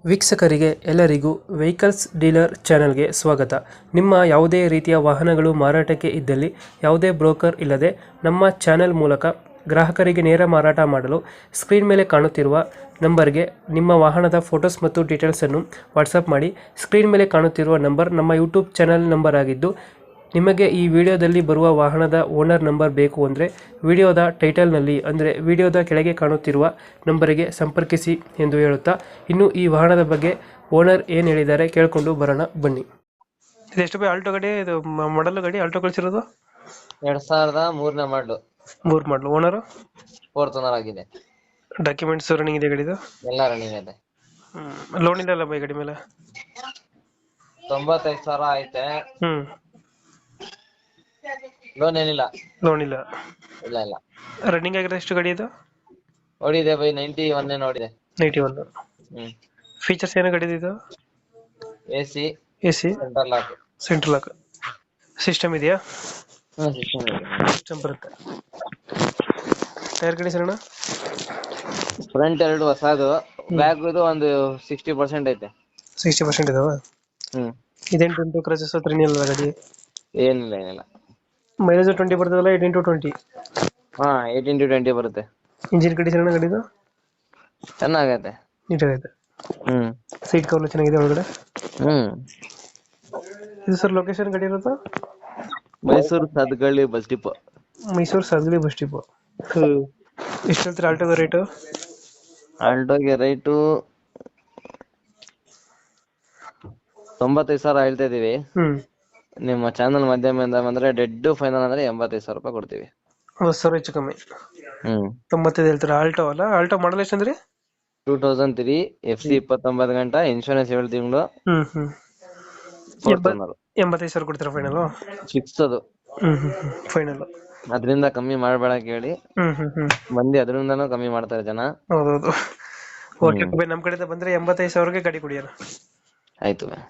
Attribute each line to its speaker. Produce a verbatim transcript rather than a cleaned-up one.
Speaker 1: ವೀಕ್ಷಕರಿಗೆ ಎಲ್ಲರಿಗೂ vehicles dealer ಚಾನೆಲ್ಗೆ ಸ್ವಾಗತ. ನಿಮ್ಮ ಯಾವುದೇ ರೀತಿಯ ವಾಹನಗಳು ಮಾರಾಟಕ್ಕೆ ಇದ್ದಲ್ಲಿ ಯಾವುದೇ ಬ್ರೋಕರ್ ಇಲ್ಲದೆ ನಮ್ಮ ಚಾನೆಲ್ ಮೂಲಕ ಗ್ರಾಹಕರಿಗೆ ನೇರ ಮಾರಾಟ ಮಾಡಲು ಸ್ಕ್ರೀನ್ ಮೇಲೆ ಕಾಣುತ್ತಿರುವ ನಂಬರ್ಗೆ ನಿಮ್ಮ ವಾಹನದ ಫೋಟೋಸ್ ಮತ್ತು ಡೀಟೇಲ್ಸನ್ನು ವಾಟ್ಸಪ್ ಮಾಡಿ. ಸ್ಕ್ರೀನ್ ಮೇಲೆ ಕಾಣುತ್ತಿರುವ ನಂಬರ್ ನಮ್ಮ ಯೂಟ್ಯೂಬ್ ಚಾನೆಲ್ ನಂಬರ್ ಆಗಿದ್ದು, ನಿಮಗೆ ಈ ವಿಡಿಯೋದಲ್ಲಿ ಬರುವ ವಾಹನದ ಓನರ್ ನಂಬರ್ ಬೇಕು ಅಂದರೆ ವಿಡಿಯೋದ ಟೈಟಲ್ನಲ್ಲಿ ಅಂದರೆ ವಿಡಿಯೋದ ಕೆಳಗೆ ಕಾಣುತ್ತಿರುವ ನಂಬರಿಗೆ ಸಂಪರ್ಕಿಸಿ ಎಂದು ಹೇಳುತ್ತಾ, ಇನ್ನು ಈ ವಾಹನದ ಬಗ್ಗೆ ಓನರ್ ಏನು ಹೇಳಿದ್ದಾರೆ ಕೇಳಿಕೊಂಡು ಬರೋಣ ಬನ್ನಿ. ಇದೆಷ್ಟು ಬೈ ಆಲ್ಟೋ ಗಾಡಿ? ಇದು ಮಾಡಲ್ ಗಾಡಿ ಆಲ್ಟೋ ಕಳಿಸಿರೋದು
Speaker 2: ಎರಡ್ ಸಾವಿರದ ಮೂರನೇ ಮಾಡ್ಲು
Speaker 1: ಮೂರು ಮಾಡಲು. ಓನರ್
Speaker 2: ಫೋರ್ತ್ ಓನರ್ ಆಗಿದೆ.
Speaker 1: ಡಾಕ್ಯುಮೆಂಟ್ಸ್ ರನ್ನಿಂಗ್ ಇದೆ ಗಾಡಿದು?
Speaker 2: ಎಲ್ಲ ರನ್ನಿಂಗ್ ಇದೆ.
Speaker 1: ಲೋನ್ ಇಲ್ಲ ಅಲ್ಲ ಬೈ ಗಾಡಿ ಮೇಲೆ?
Speaker 2: ತೊಂಬತ್ತೈದು ಸಾವಿರ ಐತೆ.
Speaker 1: ಹ್ಮ್
Speaker 2: ಲೋನ್ ಏನಿಲ್ಲ.
Speaker 1: ಲೋನ್ ಇಲ್ಲ.
Speaker 2: ಇಲ್ಲ ಇಲ್ಲ
Speaker 1: ರನ್ನಿಂಗ್ ಆಗಿರೋದು ಎಷ್ಟು ಗಾಡಿ ಇದು?
Speaker 2: ಓಡಿದೆ ಬೈ ನೈಂಟಿ ಒನ್ ನೋಡಿದೆ.
Speaker 1: Ninety one.
Speaker 2: ಹ್ಮ್
Speaker 1: ಫೀಚರ್ಸ್ ಏನೋ ಗಾಡಿದು ಇದು?
Speaker 2: A C,
Speaker 1: A C,
Speaker 2: central lock.
Speaker 1: Central lock system ಇದೆಯಾ?
Speaker 2: ಹ್ಮ್ ಸಿಸ್ಟಮ್ ಇದೆ.
Speaker 1: ಸಿಸ್ಟಮ್ ಬರುತ್ತೆ. ಟೈರ್ ಕಂಡೀಷನ್ ಅಣ್ಣ?
Speaker 2: ಫ್ರಂಟ್ ಎರಡು ಹೊಸದು, ಬ್ಯಾಕ್ ಇದು ಒಂದು ಸಿಕ್ಸ್ಟಿ ಪರ್ಸೆಂಟ್ ಐತೆ.
Speaker 1: ಸಿಕ್ಸ್ಟಿ ಪರ್ಸೆಂಟ್ ಇದಾವ.
Speaker 2: ಹ್ಮ್
Speaker 1: ಇದೇನು ಟ್ವೆಂಟಿ ಕ್ರಚಸ್ ಹತ್ರ ಏನಿಲ್ಲ ಗಾಡಿ?
Speaker 2: ಏನಿಲ್ಲ ಏನಿಲ್ಲ.
Speaker 1: ಮೈಲೇಜ್ ಟ್ವೆಂಟಿ ಬರ್ತದಲ್ಲ? Eighteen to twenty.
Speaker 2: ಹಾ ಏಯ್ಟೀನ್ ಟು ಟ್ವೆಂಟಿ ಬರುತ್ತೆ.
Speaker 1: ಇಂಜಿನ್ ಕಂಡೀಷನ್ ಅಣ್ಣ ಗಾಡಿದು?
Speaker 2: ಚೆನ್ನಾಗೈತೆ.
Speaker 1: ನೀಟಾಗೈತೆ.
Speaker 2: ಹ್ಮ್
Speaker 1: ಸೀಟ್ ಕವರ್ ಚೆನ್ನಾಗಿದೆ ಒಳಗಡೆ?
Speaker 2: ಹ್ಮ್
Speaker 1: ಇದು ಸರ್ ಲೊಕೇಶನ್ ಗಾಡಿ ಇರೋದು?
Speaker 2: ಮೈಸೂರು ಸದ್ಗಳ್ಳಿ ಬಸ್ ಡಿಪೋ.
Speaker 1: ಮೈಸೂರು ಸಾಗಲಿ ಬಸ್ ಡಿಪೋ.
Speaker 2: ಹ್ಮ್
Speaker 1: ಎಷ್ಟು ಹೇಳ್ತೀರಾ ಆಲ್ಟೋದ ರೇಟು?
Speaker 2: ಆಲ್ಟೋಗೆ ರೈಟು ತೊಂಬತ್ತೈದು ಸಾವಿರ ಹೇಳ್ತಾ ಇದೀವಿ.
Speaker 1: ಹ್ಮ್
Speaker 2: ನಿಮ್ಮ ಚಾನಲ್ ಮಾಧ್ಯಮದಿಂದ ಬಂದ್ರೆ ಡೆಡ್ ಫೈನಲ್ ಅಂದ್ರೆ ಎಂಬತ್ತೈದು ಸಾವಿರ ರೂಪಾಯಿ ಕೊಡ್ತೀವಿ.
Speaker 1: ಹತ್ತು ಸಾವಿರ ಹೆಚ್ಚು ಕಮ್ಮಿ.
Speaker 2: ಹ್ಮ್
Speaker 1: ತೊಂಬತ್ತೈದು ಹೇಳ್ತೀರಾ? ಆಲ್ಟೋ ಅಲ್ಲ? ಆಲ್ಟೋ ಮಾಡಲ್ ಎಷ್ಟು ಅಂದ್ರೆ?
Speaker 2: Two thousand three F C ಇಪ್ಪತ್ತೊಂಬತ್ತು ಗಂಟೆ ಇನ್ಶೂರೆನ್ಸ್ ಏಳು ತಿಂಗಳು.
Speaker 1: ಹ್ಮ್ ಹ್ಮ್
Speaker 2: ಫೋರ್ತ್ ಓನರ್.
Speaker 1: ಎಂಬತ್ತೈದು ಸಾವಿರ ಕೊಡ್ತೀರಾ ಫೈನಲ್?
Speaker 2: ಫಿಕ್ಸ್ ಅದು.
Speaker 1: ಹ್ಮ್ ಹ್ಮ್ ಹ್ಮ್ ಫೈನಲ್.
Speaker 2: ಅದರಿಂದ ಕಮ್ಮಿ ಮಾಡಬೇಡ ಕೇಳಿ.
Speaker 1: ಹ್ಮ್ ಹ್ಮ್ ಹ್ಮ್
Speaker 2: ಮಂದಿ ಅದರಿಂದನೂ ಕಮ್ಮಿ ಮಾಡ್ತಾರೆ ಜನ.
Speaker 1: ಹೌದೌದು. ಓಕೆ, ನಮ್ಮ ಕಡೆಯಿಂದ ಬಂದ್ರೆ ಎಂಬತ್ತೈದು ಸಾವಿರಕ್ಕೆ ಗಾಡಿ ಕೊಡಿ ಅಣ್ಣ.
Speaker 2: ಆಯ್ತು.